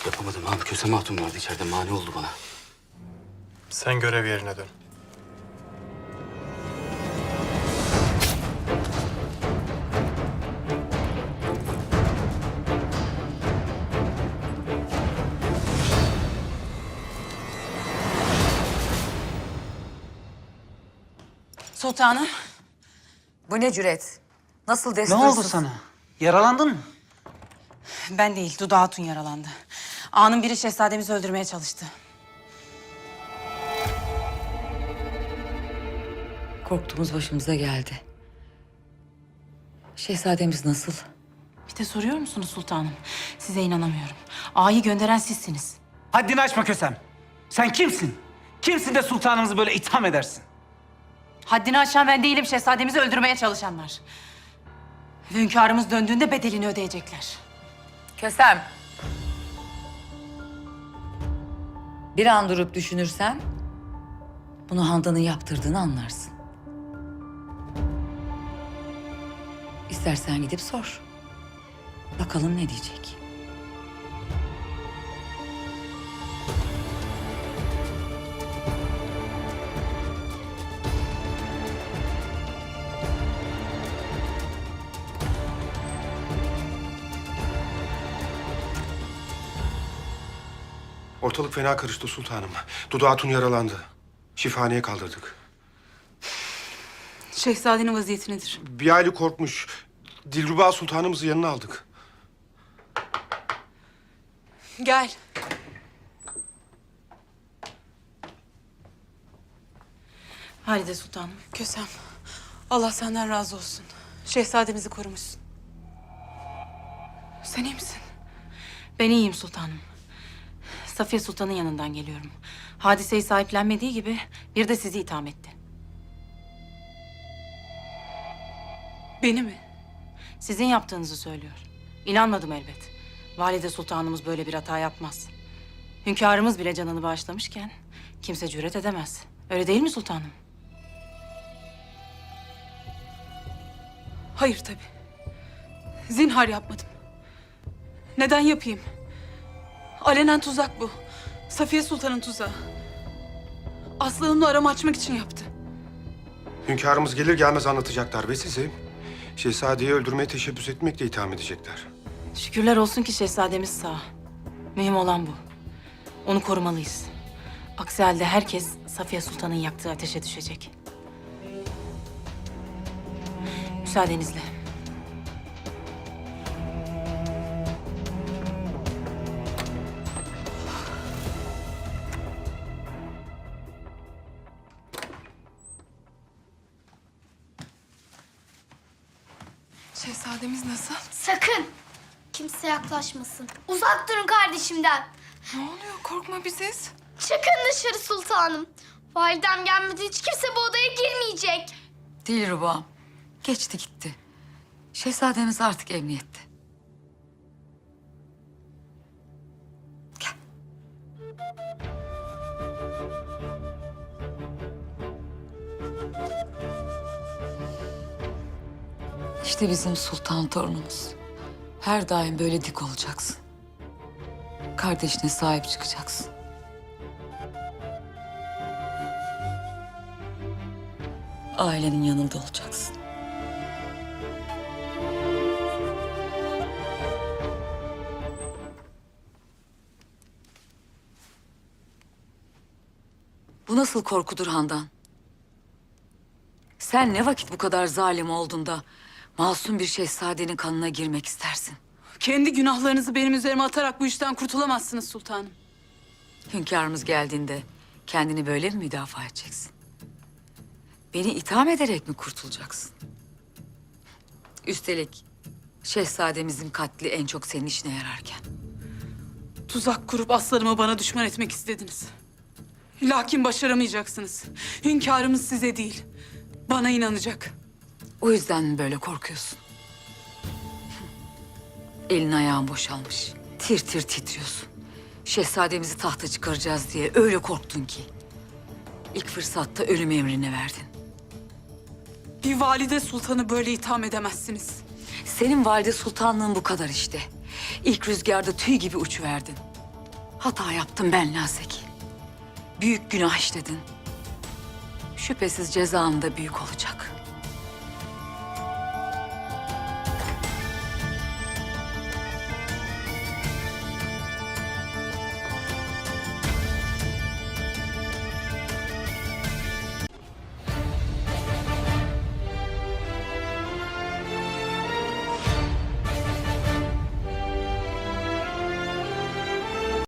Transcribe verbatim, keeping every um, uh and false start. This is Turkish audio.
Yapamadım abi. Kösem Hatun vardı içeride. Mani oldu bana. Sen görev yerine dön. Sultanım. Bu ne cüret? Nasıl Ne destursuz? oldu sana? Yaralandın mı? Ben değil, Dudu Hatun yaralandı. Ağanın biri şehzademizi öldürmeye çalıştı. Korktuğumuz başımıza geldi. Şehzademiz nasıl? Bir de soruyor musunuz sultanım? Size inanamıyorum. Ağayı gönderen sizsiniz. Haddini aşma Kösem. Sen kimsin? Kimsin de sultanımızı böyle itham edersin? Haddini aşan ben değilim, şehzademizi öldürmeye çalışanlar. Ve hünkârımız döndüğünde bedelini ödeyecekler. Kösem. Bir an durup düşünürsen bunu Handan'ın yaptırdığını anlarsın. İstersen gidip sor. Bakalım ne diyecek. Ortalık fena karıştı sultanım. Dudu Hatun yaralandı. Şifahaneye kaldırdık. Şehzadenin vaziyeti nedir? Bir aile korkmuş. Dilruba sultanımızı yanına aldık. Gel. Halide Sultanım. Kösem, Allah senden razı olsun. Şehzademizi korumuşsun. Sen iyi misin? Ben iyiyim sultanım. Safiye Sultan'ın yanından geliyorum. Hadiseyi sahiplenmediği gibi bir de sizi itham etti. Beni mi? Sizin yaptığınızı söylüyor. İnanmadım elbet. Valide Sultanımız böyle bir hata yapmaz. Hünkârımız bile canını bağışlamışken kimse cüret edemez. Öyle değil mi sultanım? Hayır tabii. Zinhar yapmadım. Neden yapayım? Alenen tuzak bu. Safiye Sultan'ın tuzağı. Aslı Hanım'la aramı açmak için yaptı. Hünkârımız gelir gelmez anlatacaklar ve sizi şehzadeyi öldürmeye teşebbüs etmekle itham edecekler. Şükürler olsun ki şehzademiz sağ. Mühim olan bu. Onu korumalıyız. Aksi halde herkes Safiye Sultan'ın yaktığı ateşe düşecek. Müsaadenizle. Şehzademiz nasıl? Sakın! Kimse yaklaşmasın. Uzak durun kardeşimden. Ne oluyor? Korkma biziz. Çıkın dışarı sultanım. Validem gelmedi, hiç kimse bu odaya girmeyecek. Dilruba, geçti gitti. Şehzademiz artık emniyette. Gel. İşte bizim sultan torunumuz. Her daim böyle dik olacaksın. Kardeşine sahip çıkacaksın. Ailenin yanında olacaksın. Bu nasıl korkudur Handan? Sen ne vakit bu kadar zalim oldun da masum bir şehzadenin kanına girmek istersin? Kendi günahlarınızı benim üzerime atarak bu işten kurtulamazsınız sultanım. Hünkârımız geldiğinde kendini böyle mi müdafaa edeceksin? Beni itham ederek mi kurtulacaksın? Üstelik şehzademizin katli en çok senin işine yararken. Tuzak kurup aslanımı bana düşman etmek istediniz. Lakin başaramayacaksınız. Hünkârımız size değil, bana inanacak. O yüzden mi böyle korkuyorsun? Elin ayağın boşalmış. Tir tir titriyorsun. Şehzademizi tahta çıkaracağız diye öyle korktun ki. İlk fırsatta ölüm emrini verdin. Bir valide sultanı böyle itham edemezsiniz. Senin valide sultanlığın bu kadar işte. İlk rüzgarda tüy gibi uçuverdin. Hata yaptım ben Nazik. Büyük günah işledin. Şüphesiz cezan da büyük olacak.